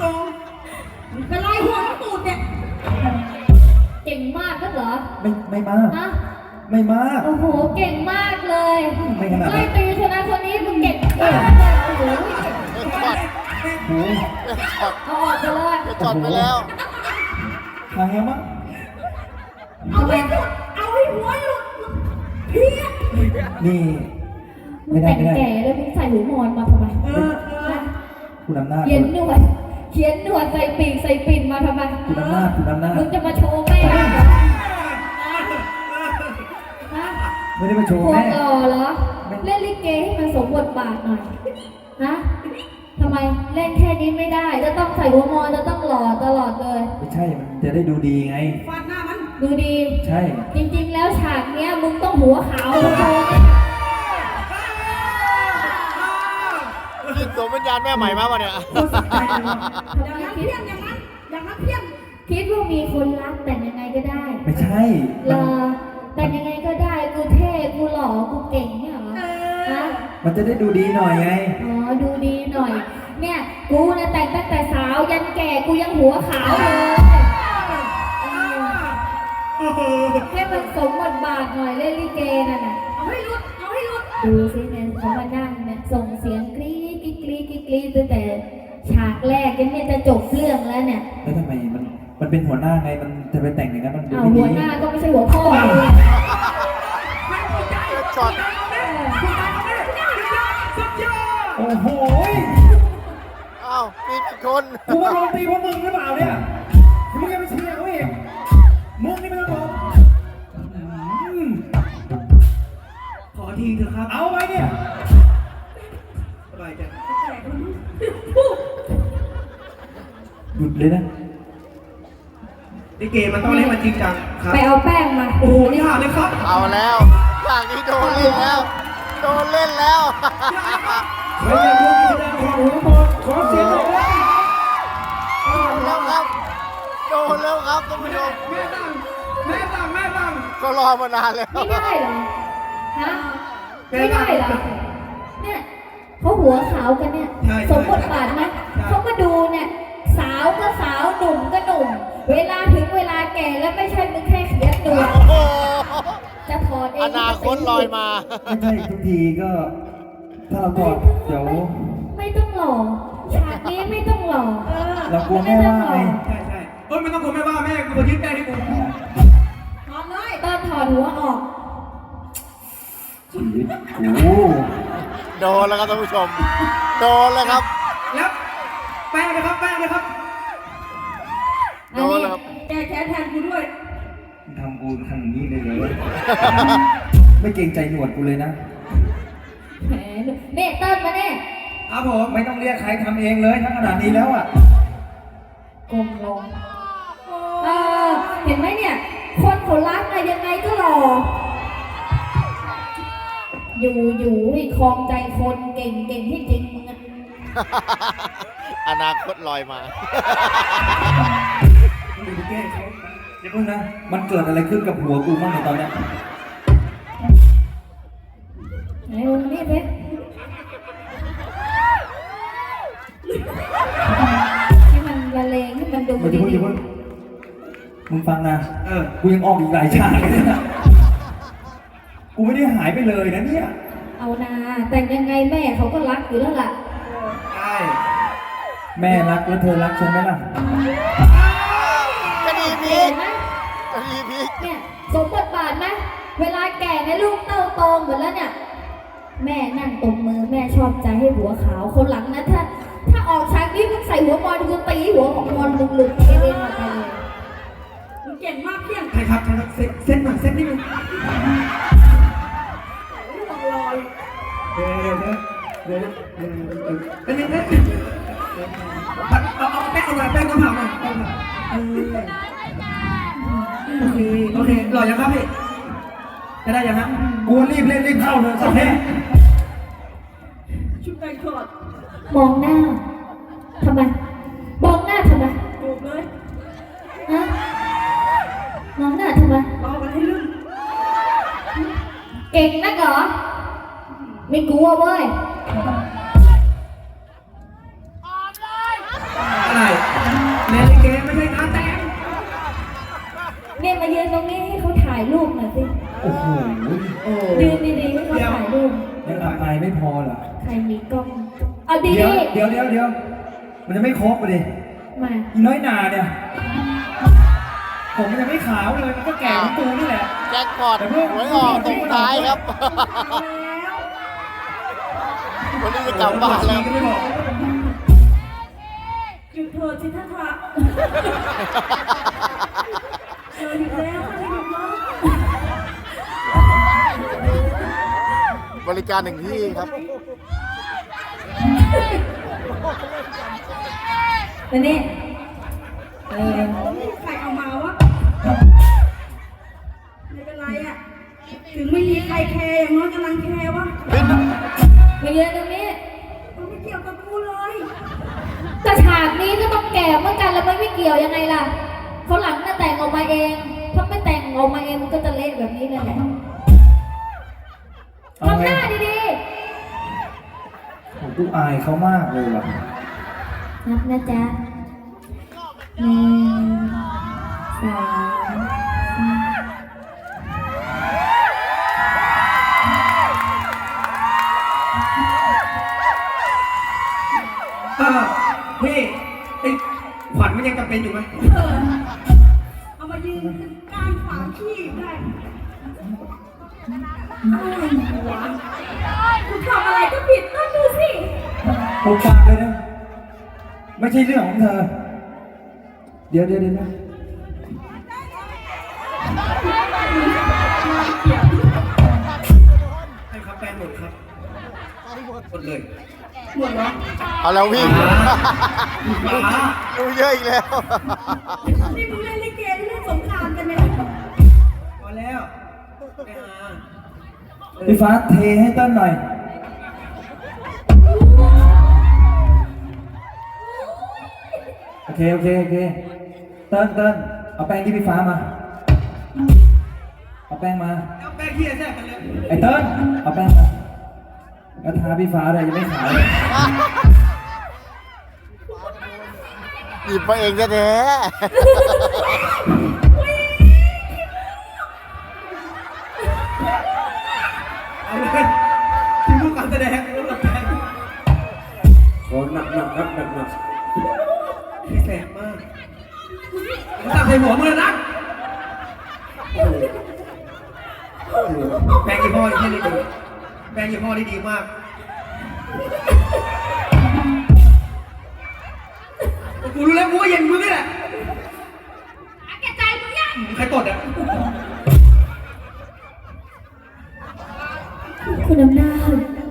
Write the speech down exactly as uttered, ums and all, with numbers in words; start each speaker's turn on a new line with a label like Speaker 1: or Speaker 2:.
Speaker 1: ตรงเป็นไรหัวตูดเนี่ย
Speaker 2: เก่งมากก็เหรอ
Speaker 3: ไม่ไม่มาก
Speaker 2: นะ
Speaker 3: ไม่มาก
Speaker 2: โอ้โหเก่งมากเลย
Speaker 3: ไม่ขนาดนั้น
Speaker 2: ไล่ตีคนนั้นคนนี้มึงเก่งมากเลยโอ้โห
Speaker 3: โอ้ย
Speaker 2: เอาออกไปเลย
Speaker 4: จอดไปแล้ว
Speaker 3: ทางยังมั้ง
Speaker 1: เอาให้หลุดเอาให้หัวหลุดเพี้ย
Speaker 3: นี่
Speaker 2: มึงแต่งแก่แล้วมึงใส่หูมอนมาทำไม
Speaker 3: คุณอำนาจ
Speaker 2: เขียนหนวดเขียนหนวดใส่ปีกใส่ปิ่นมาทำไม
Speaker 3: คุณอำนาจคุณอำนาจ
Speaker 2: มึงจะมาโชว์แม่เหรอ
Speaker 3: ไม่ได้มาโชว์แม่
Speaker 2: หล่อเหรอเล่นลิเกให้มันสมบทบาทหน่อยฮะทำไมเล่นแค่นี้ไม่ได้จะต้องใส่หัวมอนจะต้องหล่อตลอดเลย
Speaker 3: ไม่ใช่มันจะได้ดูดีไง
Speaker 1: ฟาดหน้ามัน
Speaker 2: ดูดี
Speaker 3: ใช่
Speaker 2: จริงๆแล้วฉากเนี้ยมึงต้องหัวขาวโชว์
Speaker 4: คิดตัววิญญาณแม่ใหม่มากวะเนี่ย
Speaker 1: อย่างนั้นเพี้ยนอย่างนั้นอย่างนั้นเพี้ยน
Speaker 2: คิดว่ามีคนรักแต่ยังไงก็ได้
Speaker 3: ไม่ใช่
Speaker 2: หล่อแต่ยังไงก็ได้กูเท่กูหล่อกูเก่งเนี่ยเหรอฮะ
Speaker 3: มันจะได้ดูดีหน่อยไง
Speaker 2: อ๋อดูดีหน่อยเนี่ยกูเนี่ยแต่งตั้งแต่สาวยันแก่กูยังหัวขาวเลยให้มันสมบทบาทหน่อยเล่นลิเกน่ะนะ
Speaker 1: เอาให้รุดเอาให้รุด
Speaker 2: ดูสิเนี่ยเขามานั่งเนี่ยส่งเสียงกรี๊ดกรี๊ดกรี๊ดกรี๊ดตั้งแต่ฉากแรกกันเนี่ยจะจบเรื่องแล้วเนี่ย
Speaker 3: แล้วทำไมมันมันเป็นหัวหน้าไงมันจะไปแต่งอย่างนั้นมันดู
Speaker 2: ไม่ดีหัวหน้าก็ไม่ใช่หัวพ่อเลย
Speaker 4: ช็อต
Speaker 3: โอ้โห
Speaker 4: อ้าวมีกี่คน
Speaker 3: กูว่าลงตีเพราะมึงหรือเปล่าเนี่ยมึงยังไม่เชียร์เขาอีกมึงนี่ไม่ต้องบอก
Speaker 1: ขอทีเถอะครับ
Speaker 3: เอาไว้เนี่ย
Speaker 1: สบายใจ
Speaker 3: หยุดเลยนะ
Speaker 1: ลิเกมันต้องเล่นมันจริงจังครับ
Speaker 2: ไปเอาแป้งมา
Speaker 1: โอ้โหยากเลยครับ
Speaker 4: เอาแล้วอย่างนี้โดนเล่นแล้วโดนเล่นแล้ว
Speaker 3: ใครอยากดูกิจกรรมของหัวหมดขอเสียงหน่อย
Speaker 4: แล้วครับโดนแล้วครับท่านผู้ชม
Speaker 1: แม่ตั้งแม่ตั้งแม่ตั้ง
Speaker 4: ก็รอมานานแล้ว
Speaker 2: ไม่ได้เหรอฮะไม่ได้เหรอเนี่ยเขาหัวขาวกันเนี่ยสมบทบาทไหมเขามาดูเนี่ยสาวก็สาวหนุ่มก็หนุ่มเวลาถึงเวลาแก่แล้วไม่ใช่มึงแค่เขียนตัวจะถอดเอง
Speaker 4: อนาคตลอยมา
Speaker 3: ไม่ใช่ทุกทีก็ถ้าเรากอดเดี๋ยว
Speaker 2: ไม่ต้องหล่อฉากนี้ไม่ต้องหล่อ
Speaker 3: เรากลัวแม่ว่าไง
Speaker 1: ใช่ใช่เอ้ยไม่ต้องกลัวแม่ว่าแม่กูยึดแม่ให้กู
Speaker 2: ถอดเลยตอนถอดหัวออก
Speaker 3: ชีวิตกู
Speaker 4: โดนแล้วครับท่านผู้ชมโดนแล้วครับ
Speaker 1: แล้วแป้งนะครับแป้งนะครับ
Speaker 4: โดนแล้วครับ
Speaker 1: แกแค้นแทนกูด้วย
Speaker 3: ทำกูทำอย่างนี้เลยเลยไม่เกรงใจหนวดกูเลยนะ
Speaker 2: แหมเน่เติ้ลมาเน่
Speaker 3: ครับผมไม่ต้องเรียกใครทำเองเลยถ้าขนาดนี้แล้วอ่ะ
Speaker 2: กลมลงเออเห็นไหมเนี่ยคนเขารักอะยังไงก็หล่ออยู่อยู่ให้คลองใจคนเก่งเก่งที่จริงมึงอะ
Speaker 4: อนาคตลอยมา
Speaker 3: เดี๋ยวเพิ่งนะมันเกิดอะไรขึ้นกับหัวกูบ้างในตอนนี้
Speaker 2: ไหนมึงนี่สิให้มันละเลงให้มันดูดีๆ
Speaker 3: มึงฟังนะเออกูยังออกอีกหลายฉากเลยนะกูไม่ได้หายไปเลยนะเนี่ย
Speaker 2: เอานาแต่งยังไงแม่เขาก็รักอยู่แล้วล่ะ
Speaker 1: ใช่
Speaker 3: แม่รักแล้วเธอรักใช่ไหมล่ะ
Speaker 4: คดีพีกคดีพีก
Speaker 2: เนี่ยสมบทบาทไหมเวลาแก่ในลูกเต้าโตหมดแล้วเนี่ยแม่นั่งตบมือแม่ชอบใจให้หัวขาวคนหลังนะถ้าถ้าออกฉากนี้มึงใส่หัวมอนกูตีหัวของมอนหลุดๆเองเองออกไปเลย
Speaker 1: มึงเก่งมากเพี้ยนใครครับใครครับเซ็ตเซ็ตหน่อยเซ็ตนิดนึงลอยเดี๋ยวเดี๋ยวเดี๋ยวเดี๋ยวเดี๋ยวเดี๋ยวเดี๋ยวเอาเอาแป้งเอาแป้งน้ำเผาหน่อยแป้งโอเคโอเคหล่อยังครับพี่จะได้ยังฮะ
Speaker 3: กูรีบเล่นรีบเข้าเลยสักแค่
Speaker 1: ชุดแต่งขอด
Speaker 2: มองหน้าทำไมมองหน้าทำไม
Speaker 1: จูบเลย
Speaker 2: ฮะมองหน้าทำไม
Speaker 1: รอมันให้ลื่น
Speaker 2: เก่งนักเหรอไม่กลัวเว้ย
Speaker 1: อะไร
Speaker 3: โอ้โห
Speaker 1: โอ้
Speaker 2: ยืนดีๆให้เขาถ่ายรูป
Speaker 3: ยังอับอายไม่พอเหรอ
Speaker 2: ใครมีกล้องเอาดี
Speaker 3: เดี๋ยว
Speaker 2: ๆ
Speaker 3: เดี๋ยวเดี๋ยวเดี๋ยวมันจะไม่ครบเลย
Speaker 2: มา
Speaker 3: อีน้อยหนาเนี่ย ผมมันยังไม่ขาวเลย มันก็แก่เหมือนกูนี่แหละ
Speaker 4: แจ็คพอตหวยออกตรงท้ายครับ วันนี้จะกลับบ้านแล้ว
Speaker 1: ก็ไม่บอก
Speaker 2: หยุดเถิดสิท่านพระเออหยุดแล้วค่ะหยุดแล้ว
Speaker 4: บริการหนึ่งที่ครับ
Speaker 2: แล้วนี่เออ
Speaker 5: ใครเอามาวะไม่เป็นไรอะถึงไม่มีใครแคร์อย่างน้อยกำลังแคร์วะ
Speaker 2: มาเยือนตรงนี้
Speaker 5: มันไม่เกี่ยวกับกูเลย
Speaker 2: แต่ฉากนี้ก็ต้องแก่เหมือนกันแล้วมันไม่เกี่ยวยังไงล่ะเขาหลังน่ะแต่งออกมาเองถ้าไม่แต่งออกมาเองมันก็จะเละแบบนี้เลยแหละ
Speaker 3: เอา
Speaker 2: ทำห
Speaker 3: ไง
Speaker 2: น้าดี
Speaker 3: ผมกูอายเขามากเลยว่ะ
Speaker 2: ๆนับนะจ๊ะหนึ่งสองสาม
Speaker 1: เออพี่ไอ้ขวัญมันยังจำเป็นอยู่ไหม
Speaker 5: เออเอามายืนกลางฝางขี้ได้อะไรวะกูทำอะไรก็ผิดต้องดูสิ
Speaker 3: ผมปากเลยนะ ไม่ใช่เรื่องของเธอ เดี๋ยวเดี๋ยวเดี๋ยวนะ
Speaker 1: ให้ครับแปลงหมดครับหมดเลย
Speaker 5: หมดแล้ว
Speaker 4: เอาแล้ววิ่ง
Speaker 1: ป๋า
Speaker 4: ดูเยอะอีกแล้ว
Speaker 5: นี่มึงเล่นลิเกหรือเล่นสงกรานต์กันเนี่ย
Speaker 1: พอแล้วไปหา
Speaker 3: พี่ฟ้าเทให้เต้นหน่อย โอเค โอเค โอเค เติ้ลเติ้ลเอาแป้งที่พี่ฟ้ามา เอาแป้งมา
Speaker 1: เอาแป้งเฮียแทรกกันเลย
Speaker 3: ไอ้เติ้ลเอาแป้งมาแล้วทาพี่ฟ้าเลยยังไม่ขาวเลย
Speaker 4: หยิบมาเองแท้
Speaker 1: เอาเลยที่ลูกการแสดงลูกการแสดงโอ้หนักหนักครับหนักหนักพี่แสบมากผมตัดใส่หัวมือนะโอ้โหโอ้โหแปลงยี่ห้อที่นี่ดีแปลงยี่ห้อที่ดีมากกูรู้แล้วกูก็เย็นมือนี่แหละแกใจมึงยังใครตดอ่ะ
Speaker 2: คุณอำนาจ